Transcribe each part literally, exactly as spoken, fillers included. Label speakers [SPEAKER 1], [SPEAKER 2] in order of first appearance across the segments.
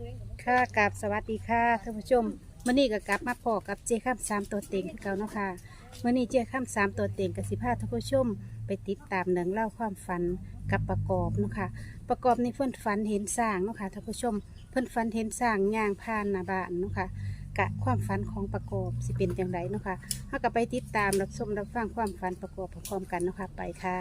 [SPEAKER 1] ค่ะกับสวัสดีค่ะท่านผู้ชมมื่อนี้ก็กลับมาพอกับเจ้ข้ามสามตัวเต็งคือเก่าเนาะค่ะมื่อนี้เจ้ข้ามสามตัวเต็งกับสิพาท่านผู้ชมไปติดตามเรื่องเล่าความฝันกับประกอบเนาะค่ะประกอบในเพื่อนฝันเห็นสร้างเนาะค่ะท่านผู้ชมเพื่อนฝันเห็นสร้างย่างผ่านหน้าบ้านเนาะค่ะกะความฝันของประกอบสิเป็นอย่างไรเนาะค่ะเราก็ไปติดตามรับชมรับฟังความฝันประกอบพร้อมๆกันเนาะค่ะไปค่ะ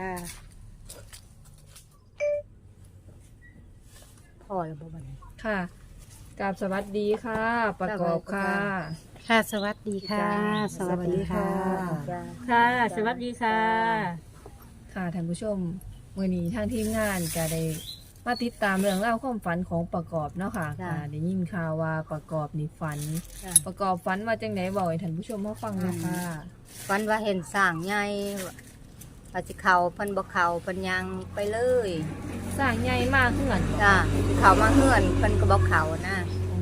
[SPEAKER 2] พ่อแล้วบ่บัดนี้
[SPEAKER 3] ค่ะกราบสวัสดีค่ะ ประกอบค่ะ
[SPEAKER 1] ค่ะสวัสดีค่ะ สวัสดีค่ะ
[SPEAKER 2] จ้า
[SPEAKER 1] ค่ะ สวัสดีค่ะ
[SPEAKER 3] ค่ะท่านผู้ชมมื่อนี้ทางทีมงานก็ได้มาติดตามเรื่องเล่าวความฝันของประกอบเนาะค่ะค่ะได้ยินข่าวว่าประกอบนี่ฝัน
[SPEAKER 2] จ้า
[SPEAKER 3] ประกอบฝันว่าจังไหนบอกให้ท่านผู้ชมมาฟังเลยค่ะ
[SPEAKER 2] ฝันว่าเห็นสร้างใหญ่ว่าสิเข้าเพิ่นบ่เข้าเพิ่นยังไปเลย
[SPEAKER 3] สร้างใหญ่มากขึ้นหลัง
[SPEAKER 2] จ้าสิเข้ามาเฮือนเพิ่นก็บ่เข้านะ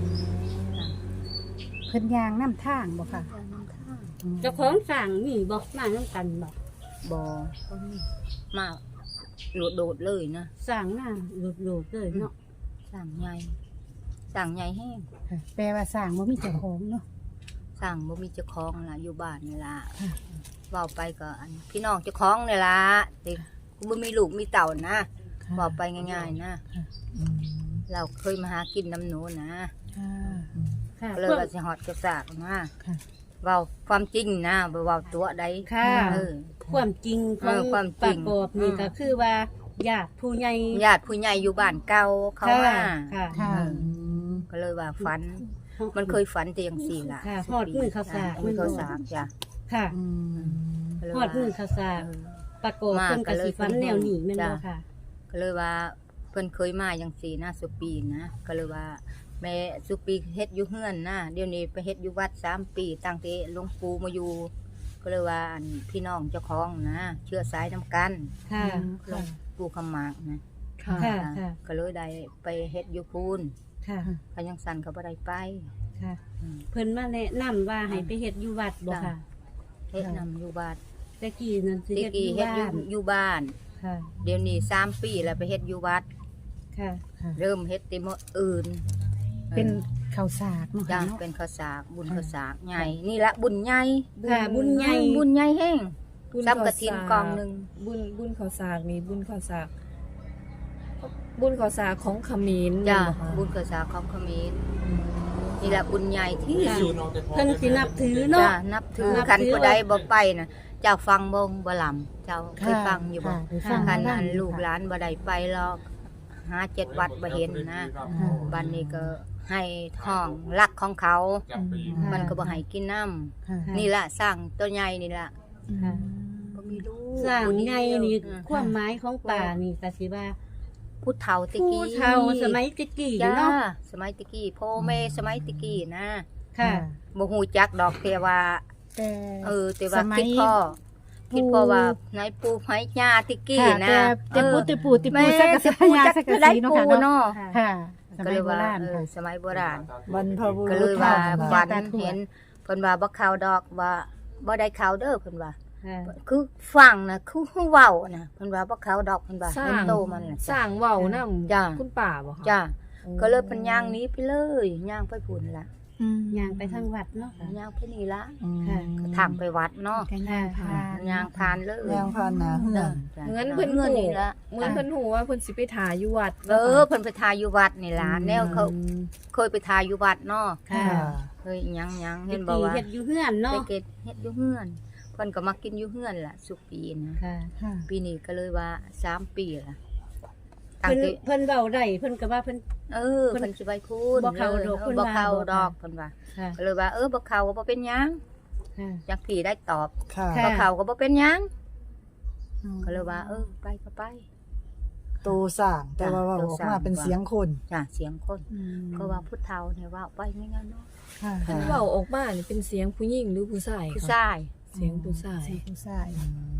[SPEAKER 1] เพิ่นยางน้ำทางบ่ค่ะ
[SPEAKER 4] เจ้าของสั่งมีบอกมาน้ำกันบอก
[SPEAKER 2] บ่มาโดดๆเลยนะ
[SPEAKER 4] สั่งหน้าหลุดหลุดเลยเนาะ
[SPEAKER 2] สร้างใหญ่สร้างใหญ่แห้ง
[SPEAKER 1] แปลว่าสร้างบ่มีเจ้าของเนาะ
[SPEAKER 2] สร้างบ่มีเจ้าของล่ะอยู่บ้านนี่ล่ะ
[SPEAKER 1] ค่ะ
[SPEAKER 2] เว้าไปก็อันพี่น้องเจ้าของนี่ล่ะแต่บ่มีลูกมีเต่านะเว้าไปง่ายๆนะเราเคยมาหากินน้ำหนูนะ
[SPEAKER 1] ค่ะ
[SPEAKER 4] ค่ะ
[SPEAKER 2] ก็เลยว่าสิฮอดกระสากมา
[SPEAKER 1] ค่ะ
[SPEAKER 2] เว้าความจริงนะบ่เว้าตัวใด
[SPEAKER 4] ค่ะ
[SPEAKER 2] เออ
[SPEAKER 4] ความจริงข
[SPEAKER 2] เอ
[SPEAKER 4] อง
[SPEAKER 2] อความจ
[SPEAKER 4] ป
[SPEAKER 2] ริ
[SPEAKER 4] ระ
[SPEAKER 2] ง
[SPEAKER 4] กอบนี่
[SPEAKER 2] อืม
[SPEAKER 4] ก็คือว่าญาติผู้ใหญ่
[SPEAKER 2] ญาติผู้ใหญ่อยู่บ้านเก่าเขา
[SPEAKER 4] ค่ะ
[SPEAKER 2] มา
[SPEAKER 4] ค่ะ
[SPEAKER 1] ค่ะ
[SPEAKER 2] เออก็เลยว่าฝัน มันเคยฝันแต่จังซี่ล่ะ
[SPEAKER 4] ค่ะฮอดมือเขาสาก
[SPEAKER 2] มือเขาสากจ้ะ
[SPEAKER 4] ค่ะ
[SPEAKER 1] อืม
[SPEAKER 2] ก็เลย
[SPEAKER 4] ฮอ
[SPEAKER 2] ว่า
[SPEAKER 4] ดมือเขาสาก
[SPEAKER 2] เออ
[SPEAKER 4] ประกอบ
[SPEAKER 2] มา
[SPEAKER 4] เพิ่นก็สิฟันแนวหนีแม่นบ่
[SPEAKER 2] จ้ะ
[SPEAKER 4] ค่ะ
[SPEAKER 2] ก็เลยว่าเพิ่นเคยมาจังซี่นะสุปีนะก็เลยว่า แม่สุปีเฮ็ดอยู่เฮือนนะเดี๋ยวนี้ไปเฮ็ดอยู่วัดสามปีตั้งแต่หลวงปู่มาอยู่ ก็เลยว่าอันพี่น้องเจ้าของนะเชื้อสายนํกัน
[SPEAKER 4] ค่ะ
[SPEAKER 2] หลวงปู่คำหมากนะ
[SPEAKER 3] ค่ะ
[SPEAKER 4] ค่ะค่ะ
[SPEAKER 2] ก็เลยได้ไปเฮ็ดอยู่พูน
[SPEAKER 4] ค่ะ
[SPEAKER 2] เขายังสั่นเขาบ่ได้ไป
[SPEAKER 4] ค่ะ
[SPEAKER 2] อืม
[SPEAKER 4] เพิ่นมาแนะนำว่าให้ไปเฮ็ดอยู่วัดบ่ค่ะ
[SPEAKER 2] เฮ็ดนำอยู่บ้าน
[SPEAKER 4] แต่กี้นั่นสิ
[SPEAKER 2] ที่
[SPEAKER 4] เฮ็ดอ
[SPEAKER 2] กี้
[SPEAKER 4] ยู่
[SPEAKER 2] เฮ็ด
[SPEAKER 4] บ้า
[SPEAKER 2] อยู่
[SPEAKER 4] น
[SPEAKER 2] อยู่บ้าน
[SPEAKER 4] ค่ะ
[SPEAKER 2] เดี๋ยวนี้สามปีแล้วไปเฮ็ดอยู่วัด
[SPEAKER 4] ค่ะ
[SPEAKER 2] เริ่มเฮ็ดแติมื้ออื่น
[SPEAKER 1] เป็นข้าวสากเนาะ
[SPEAKER 2] จ้ะ
[SPEAKER 1] ค่ะเนาะ
[SPEAKER 2] เป็นข้าวสากบุญข้าวสากใหญ่นี่ละบุญใหญ่
[SPEAKER 4] ค่ะบุญใหญ่
[SPEAKER 2] บุญใหญ่แห้ง
[SPEAKER 3] บุญ
[SPEAKER 2] ซับกระถินกองหนึง
[SPEAKER 3] บุญบุญข้าวสากนี่บุญข้าวสากบุญข้าวสากของเขมร
[SPEAKER 2] จ้ะ
[SPEAKER 3] เหรอคะ
[SPEAKER 2] บุญข้าวสากของเขมรนี่ละบุญใหญ่ที่
[SPEAKER 4] ค่ะ
[SPEAKER 2] สุด
[SPEAKER 4] เพิ่นสินับถือ
[SPEAKER 2] จ้ะ
[SPEAKER 4] เนาะ
[SPEAKER 2] นับถือ
[SPEAKER 4] นับ
[SPEAKER 2] คัน
[SPEAKER 4] ถือ
[SPEAKER 2] ผู้ใดบ่ไปน่ะเจ้าฟังบ่บ่ลำเจ้าเคยฟังอยู่บ่
[SPEAKER 1] ค่ะได้ฟัง
[SPEAKER 2] คัน
[SPEAKER 1] บ้า
[SPEAKER 2] อั
[SPEAKER 1] ง
[SPEAKER 2] นลูกหลานบ่ได้ไปหรอกหาเจ็ดวัดบ่เห็นนะบัดนี้ก็ให้ท้องรักของเขา มันก็บ่ให้กินน้ำ
[SPEAKER 1] ค่ะ
[SPEAKER 2] นี่ล่ะสร้างตัวใหญ่นี่ล่ะ
[SPEAKER 4] ค่ะ
[SPEAKER 2] บ่มีลูก
[SPEAKER 4] สร้าง
[SPEAKER 2] ผู้เดียว
[SPEAKER 4] ไงนี่
[SPEAKER 2] อืม
[SPEAKER 4] ความหมายของป่านี่ก็สิว่า
[SPEAKER 2] ผู้เฒ่าตะ
[SPEAKER 4] ผู้
[SPEAKER 2] กี้
[SPEAKER 4] เฒ่าสมัยตะกี้
[SPEAKER 2] จ้า
[SPEAKER 4] เนาะ
[SPEAKER 2] สมัยตะกี้พ่อแม่สมัยตะกี้นะ
[SPEAKER 4] ค่ะ
[SPEAKER 2] บ่ฮู้จักดอกแต่ว่า
[SPEAKER 1] แต่
[SPEAKER 2] เออแต่ว่า
[SPEAKER 1] สมัย
[SPEAKER 2] คิดพ่อ
[SPEAKER 1] ปู่
[SPEAKER 2] คิดพ่อว่าในปู่ไผย่าตะกี้
[SPEAKER 1] ค่ะ
[SPEAKER 2] นะ
[SPEAKER 1] แต่แต่ปูติปูติ
[SPEAKER 2] แม่
[SPEAKER 1] ปูสักกะสักยาสักกะ
[SPEAKER 2] ได้
[SPEAKER 1] สีเนาะ
[SPEAKER 2] ปู่
[SPEAKER 1] ค่ะเนาะ
[SPEAKER 2] เนาะ
[SPEAKER 1] ค่ะส
[SPEAKER 2] ก็
[SPEAKER 1] มั
[SPEAKER 2] เลย ย
[SPEAKER 1] โบ
[SPEAKER 2] ว่า
[SPEAKER 1] ราณ
[SPEAKER 2] เออ
[SPEAKER 1] ค่ะ
[SPEAKER 2] สมัยโบราณ
[SPEAKER 5] บรรพบุ
[SPEAKER 2] ก็
[SPEAKER 5] รุ
[SPEAKER 2] เล
[SPEAKER 5] ษ
[SPEAKER 2] ยว่า
[SPEAKER 5] ท่าน
[SPEAKER 2] ฝัน
[SPEAKER 1] ตาทวด
[SPEAKER 2] เห็นเพิ่นว่าบ่เข้าดอกว่าบ่ได้เข้าเด้อเพิ่นว่า
[SPEAKER 4] ค่ะ
[SPEAKER 2] คือฟังนะคือฮู้เว้านะเพิ่นว่าบ่เข้าดอกเพิ่นว่า
[SPEAKER 3] สร้า
[SPEAKER 2] เห็น
[SPEAKER 3] ง
[SPEAKER 2] โตมันน่ะ
[SPEAKER 3] สร้างเว้านํ
[SPEAKER 2] จ้ะ
[SPEAKER 3] คุณป่าบ่คะ
[SPEAKER 2] จ้าก็เลยเพิ่นย่างหนี้ไปเลยย่างไปพุ่นล่ะ
[SPEAKER 4] ย่างไปทางวัดเนาะค่ะ
[SPEAKER 2] ย่างไปนี่ละ
[SPEAKER 4] ค่ะ
[SPEAKER 2] ก็ทางไปวัดเนาะ
[SPEAKER 1] กันย่างผ่าน
[SPEAKER 2] ย่างผ่านเลย
[SPEAKER 5] ย่างผ่านหนาเฮือน
[SPEAKER 2] จ้ะ
[SPEAKER 3] เหมือนเพิ่น
[SPEAKER 2] เงิน
[SPEAKER 3] หู
[SPEAKER 2] นี่ละ
[SPEAKER 3] เหมือนเพิ่นหูว่าเพิ่นสิไปถ่ายอยู่วัด
[SPEAKER 2] เออเพิ่นไปทายอยู่วัดนี่ล่ะแนวเขาเคยไปทายอยู่วัดเนาะ
[SPEAKER 4] ค่ะ
[SPEAKER 2] เคยหยังหยัง
[SPEAKER 4] เฮ็
[SPEAKER 2] เห็
[SPEAKER 4] ด
[SPEAKER 2] นบ่
[SPEAKER 4] ดี
[SPEAKER 2] ว่า
[SPEAKER 4] เฮ็ดอยู่เฮือน
[SPEAKER 2] ไป
[SPEAKER 4] เนาะ
[SPEAKER 2] เก็บเฮ็ดอยู่เฮือนเพิ่นก็มากินอยู่เฮือนล่ะสุปีนะ
[SPEAKER 4] ค่ะ
[SPEAKER 1] ค่ะ
[SPEAKER 2] ปีนี้ก็เลยว่าสามปีล่ะตั้ง
[SPEAKER 4] เพิ่น
[SPEAKER 2] แต่
[SPEAKER 4] เพิ่นเว้าได้เพิ่นก็ว่าเพิ่น
[SPEAKER 2] เออ
[SPEAKER 4] เพิ่น
[SPEAKER 2] เพิ่นสิไปพูด
[SPEAKER 4] บ่เข้าดอก
[SPEAKER 2] เอ
[SPEAKER 4] เพิ่
[SPEAKER 2] อน บ่เข้า
[SPEAKER 4] ว่าบ่
[SPEAKER 2] ดอกเพิ่นว่า
[SPEAKER 4] ค่ะ
[SPEAKER 2] ก็เลยว่าเออบ่เข้าก็บ่เป็นหยัง
[SPEAKER 4] ค่ะ
[SPEAKER 2] จักพี่ได้ตอบ
[SPEAKER 5] ค่ะ
[SPEAKER 4] ค่ะ
[SPEAKER 2] บ่เข้าก็บ่เป็นหยังก็เลยว่า เออไปก็ไป
[SPEAKER 5] ตูสร้างแต่ว่าเว่าออกมาเป็นเสียงคน
[SPEAKER 2] จ้ะเสียงคน
[SPEAKER 1] อืม
[SPEAKER 2] ก็ว่าพุทธเฒ่าเนี่ยว่าไปไม่งั้นเนาะ
[SPEAKER 1] ค่ะ
[SPEAKER 3] เพิ่นเว้าออกมานี่เป็นเสียงผู้หญิงหรือผู้ชาย
[SPEAKER 2] ผู้
[SPEAKER 3] คะ
[SPEAKER 2] ชาย
[SPEAKER 3] เสียงผู้ชาย
[SPEAKER 1] เสียงผู้ชาย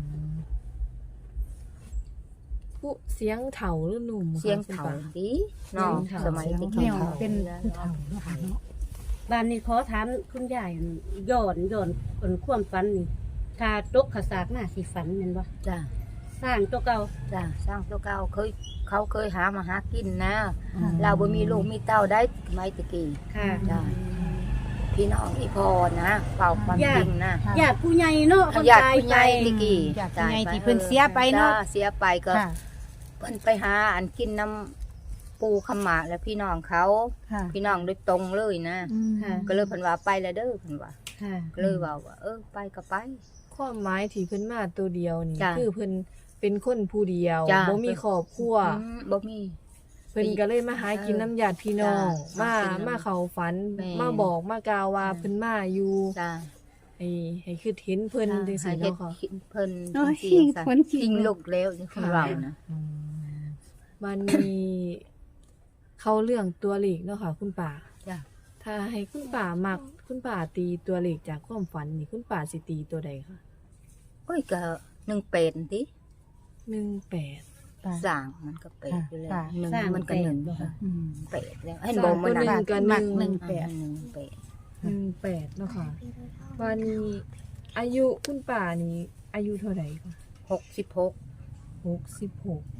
[SPEAKER 3] ผู้เสียงเฒ่าหรือหนุ่มคะ
[SPEAKER 2] เสียงเฒ่า
[SPEAKER 3] คุณป้
[SPEAKER 2] ดีเนาะ
[SPEAKER 3] เสียงเฒ่า
[SPEAKER 2] สมัยตะ
[SPEAKER 1] แน
[SPEAKER 2] กี้
[SPEAKER 1] วเป็นผู้เฒ่าเนาะค่ะเนาะ
[SPEAKER 4] บ้านนี้ขอถามคุณยายย้อนย้อนเพิ่นความฝันนี่ถ้าตกขสากหน้าสิฝันแม่นบ่
[SPEAKER 2] จ้ะ
[SPEAKER 4] สร้างตัวเก่า
[SPEAKER 2] จ้ะสร้างตัวเก่าเคยเขาเคยหามาหากินนะ
[SPEAKER 5] อืม
[SPEAKER 2] เราบ่มีลูกมีเต้าได้สมัยตะกี้
[SPEAKER 4] ค่ะ
[SPEAKER 2] จ้ะพี่น้องอีพอนะเป่าความ
[SPEAKER 4] ญาติ
[SPEAKER 2] จริงนะ
[SPEAKER 4] ญาติผู้ใหญ่เนาะคน
[SPEAKER 2] ญาติ
[SPEAKER 4] ตาย
[SPEAKER 2] ผู้ให
[SPEAKER 4] ไป
[SPEAKER 2] ญ่ตะกี้
[SPEAKER 1] ญาติผู้ใหญ่ที่เพิ่นเสียไปเนาะ
[SPEAKER 2] จ้เสียไปก็
[SPEAKER 1] ค่ะ
[SPEAKER 2] เพิ่นไปหาอันกินน้ำปูขมากแล้วพี่น้องเขา
[SPEAKER 1] ค่ะ
[SPEAKER 2] พี่น้องโดยตรงเลยนะ
[SPEAKER 5] อืม
[SPEAKER 4] ค่ะ
[SPEAKER 2] ก็เลยเพิ่นว่าไปแล้วเด้อเพิ่นว่า
[SPEAKER 4] ค่ะ
[SPEAKER 2] ก็เลยว่าว่า เออไปก็ไป
[SPEAKER 3] ความหมายที่เพิ่นมาตัวเดียวนี่
[SPEAKER 2] จ้ะ
[SPEAKER 3] คือเพิ่นเป็นคนผู้เดียว
[SPEAKER 2] จ้ะ
[SPEAKER 3] บ่มีครอบครัว
[SPEAKER 2] อืมบ่มี
[SPEAKER 3] เพิ่นก็เลยมาหากินน้ำญาติพี่น้อง
[SPEAKER 2] จ้ะ
[SPEAKER 3] มา
[SPEAKER 2] มากินน้ำ
[SPEAKER 3] มาเข้าฝัน
[SPEAKER 2] แม่
[SPEAKER 3] มาบอกมากล่าวว่า
[SPEAKER 2] จ้ะ
[SPEAKER 3] เพิ่นมาอยู่
[SPEAKER 2] จ้า
[SPEAKER 3] ให้ให้คือเห็นเพิ่นจังซี่
[SPEAKER 2] เฮ็ด
[SPEAKER 3] เนาะค่ะ
[SPEAKER 2] เพิ่น
[SPEAKER 1] โอ้ย
[SPEAKER 2] จังซี่จ้ะ
[SPEAKER 1] ขนขิง
[SPEAKER 2] ขิงลูกแล้วนี่คือเรานะ
[SPEAKER 3] มันมีเข้าเรื่องตัวเลขเนาะค่ะ คุณป่า
[SPEAKER 2] จ้ะ
[SPEAKER 3] ถ้าให้คุณป่ามักคุณป่าตีตัวเลขจากความฝันนี่คุณป่าสิตีตัวใดคะ
[SPEAKER 2] โอ้ยก็หนึ่งเป็ดติ
[SPEAKER 3] หนึ่งแปด
[SPEAKER 2] สร้างมันก็เป็ดอยู่แล้ว
[SPEAKER 1] ค่ะ
[SPEAKER 2] หนึ่ง
[SPEAKER 4] สร้าง
[SPEAKER 2] มันก็หนึ่ง
[SPEAKER 4] เป็ดบ่คะ
[SPEAKER 1] อืม
[SPEAKER 2] เป็ดแล้วเห็นบ่มัน
[SPEAKER 3] หนึ่
[SPEAKER 2] น่ะ
[SPEAKER 3] งกับหนึ่ง
[SPEAKER 1] หนึ่งแปด
[SPEAKER 2] หนึ่งเป็ด
[SPEAKER 3] หนึ่งแปดเนาะค่ะวันนี้อายุคุณป่านี่อายุเท่าไหร่คะ
[SPEAKER 2] หกสิบหก
[SPEAKER 3] หกสิบหก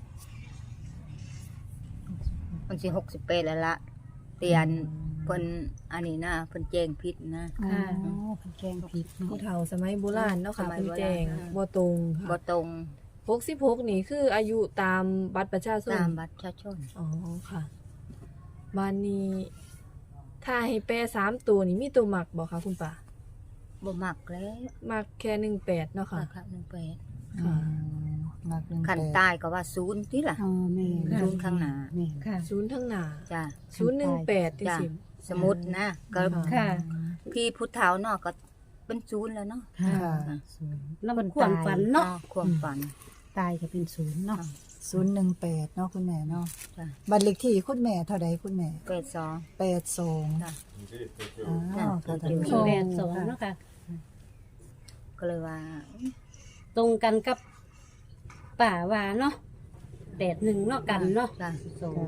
[SPEAKER 2] มันสิหกสิบแปดแล้วละเตียนเพิ่นอันนี้นะเพิ่นแจ้งผิดนะ
[SPEAKER 1] อ๋อเพิ่นแกงผิดเนาะ
[SPEAKER 3] ผู้เฒ่าสมัยโบราณเนาะค่ะ
[SPEAKER 2] สมัย
[SPEAKER 3] คุณ
[SPEAKER 2] โบราณ
[SPEAKER 3] แจง
[SPEAKER 2] ค่ะ
[SPEAKER 3] บ่ตรง
[SPEAKER 2] บ่
[SPEAKER 3] ค่ะ
[SPEAKER 2] ตรง
[SPEAKER 3] หกสิบหกนี่คืออายุตามบัตรประชาชน
[SPEAKER 2] ตามบัตรประชาชน
[SPEAKER 3] อ๋อค่ะวันนี้ถ้าให้แปลสามตัวนี่มีตัวหมักบอกคะคุณป่า
[SPEAKER 2] บ่มักแล้ว
[SPEAKER 3] มักแค่หนึ่งแปดเนาะค่ะ
[SPEAKER 2] ค่ะหนึ่งเป็ด
[SPEAKER 3] ค่ะ
[SPEAKER 5] หนักหนึ่ง
[SPEAKER 2] คัน
[SPEAKER 5] แปด
[SPEAKER 2] ตายก็ว่าศูนย์ติล่ะ
[SPEAKER 1] อ๋อแม่
[SPEAKER 2] ศูนย์ข้างหน้า
[SPEAKER 1] แม่
[SPEAKER 4] ค่ะ
[SPEAKER 3] ศูนย์ทั้งหนา
[SPEAKER 2] จ้ะ
[SPEAKER 3] ศูนย์หนึ่งแปดที่
[SPEAKER 2] จ้ะ
[SPEAKER 3] สิบ
[SPEAKER 2] สมมุตินะก็
[SPEAKER 4] ค่ะ
[SPEAKER 2] พี่พุทธเฒ่าเนาะก็เป็นศูนย์แล้วเนาะ
[SPEAKER 1] ค่ะ
[SPEAKER 5] ค่ะ
[SPEAKER 1] ศูนย์
[SPEAKER 4] แล้วมันความฝันเนาะ
[SPEAKER 2] อ๋อความฝัน
[SPEAKER 1] ตายก็เป็นศูนย์เนาะ
[SPEAKER 5] ศูนย์หนึ่งแปดเนาะคุณแม่เนาะ
[SPEAKER 2] จ้ะ
[SPEAKER 5] บัตรเลขที่คุณแม่เท่าใดคุณแม่
[SPEAKER 2] เป็ดสอง
[SPEAKER 5] แปดสอง
[SPEAKER 2] จ้ะ
[SPEAKER 5] อ๋อค่ะท่านผู้ชม
[SPEAKER 4] แปดสองเนาะค่ะ
[SPEAKER 2] ก็เลยว่า
[SPEAKER 4] ตรงกันกับป่าว่าเนาะแปดหนึ่งเนาะกันเนาะ
[SPEAKER 2] จ้ะ
[SPEAKER 4] สอง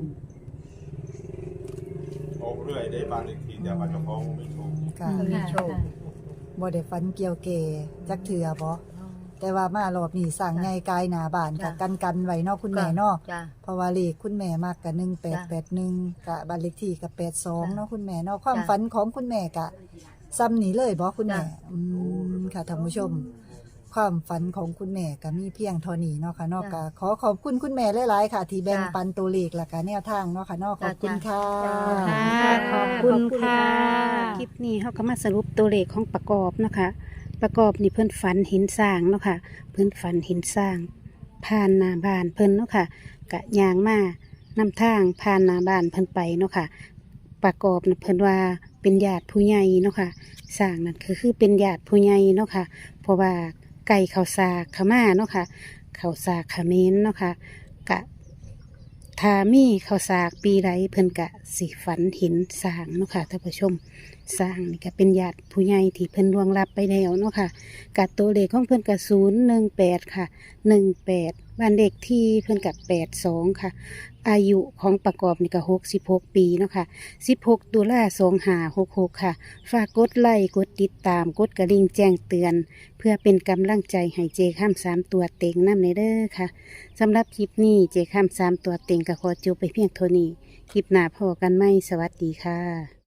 [SPEAKER 6] ออกเรื่อยได้บ้านอีกทีแต่ว่าเจ้าของไม่ถูก
[SPEAKER 5] ค่ะ
[SPEAKER 2] มีโชค
[SPEAKER 5] บ่ได้ฝันเกี่ยวเกจักเถื่อบ่แต่ว่ามารอบนี้สั่งใหญ่กายหนาบ้านค่ะ
[SPEAKER 2] จ้ะ
[SPEAKER 5] กันกันไว้เนาะคุณแม่เนาะ
[SPEAKER 2] จ้ะ
[SPEAKER 5] เพราะว่าเลขคุณแม่มากกับหนึ่งแปดแปดหนึ่งกับบ้านเลขที่กับแปดสองเนาะคุณแม่เนาะความ
[SPEAKER 2] จ้ะ
[SPEAKER 5] ฝันของคุณแม่กะซ้ำนี้เลยบ่คุณแม่
[SPEAKER 2] จ้ะ
[SPEAKER 5] อืมค่ะท่านผู้ชม ความฝันของคุณแม่ก็มีเพียงเท่านี้เนาะค่ะเนาะ
[SPEAKER 2] จ้ะ
[SPEAKER 5] ก็ขอขอบคุณคุณแม่หลายๆค่ะ ที่แบ่ง
[SPEAKER 2] จ้ะ
[SPEAKER 5] ปันตัวเลขและก็แนวทางเนาะค่ะเนาะขอบคุณ
[SPEAKER 2] จ้ะ
[SPEAKER 5] ค่ะ
[SPEAKER 2] จ้ะ
[SPEAKER 1] ค่ะขอบคุณ
[SPEAKER 4] ขอบคุณ
[SPEAKER 1] ค่ะ
[SPEAKER 4] ค่ะ
[SPEAKER 1] คลิปนี้เขาก็มาสรุปตัวเลขของประกอบเนาะคะประกอบนี่เพิ่นฝันเห็นสร้างเนาะค่ะ เพิ่นฝันเห็นสร้าง ผ่านหน้าบ้านเพิ่นเนาะค่ะกะยางมานำทางผ่านหน้าบ้านเพิ่นไปเนาะค่ะ ประกอบน่ะเพิ่นว่าเป็นญาติผู้ใหญ่เนาะค่ะสร้างนั่นคือคือเป็นญาติผู้ใหญ่เนาะค่ะ เพราะว่าไก่ข้าวสากขม่าเนาะค่ะข้าวสากขมิ้นเนาะค่ะกะถ้ามีข้าวสากปีไรเพิ่นกะสิฝันเห็นสร้างเนาะค่ะท่านผู้ชมสร้างนี่ก็เป็นญาติผู้ใหญ่ที่เพิ่นล่วงลับไปแล้วเนาะค่ะกะตัวเลขของเพิ่นกะศูนย์หนึ่งแปดค่ะหนึ่งแปดบ้านเด็กที่เพิ่นกะแปดสองค่ะ อายุของประกอบนี่ก็หกสิบหกปีเนาะค่ะสิบหกตุลาสองห้าหกหกค่ะ ฝากกดไลค์กดติดตามกดกระดิ่งแจ้งเตือน เพื่อเป็นกำลังใจให้เจข้ามสามตัวเต็งน้ำในเด้อค่ะสำหรับคลิปนี้เจข้ามสามตัวเต็งก็ขอจบไปเพียงเท่านี้ คลิปหน้าพอกันไหมสวัสดีค่ะ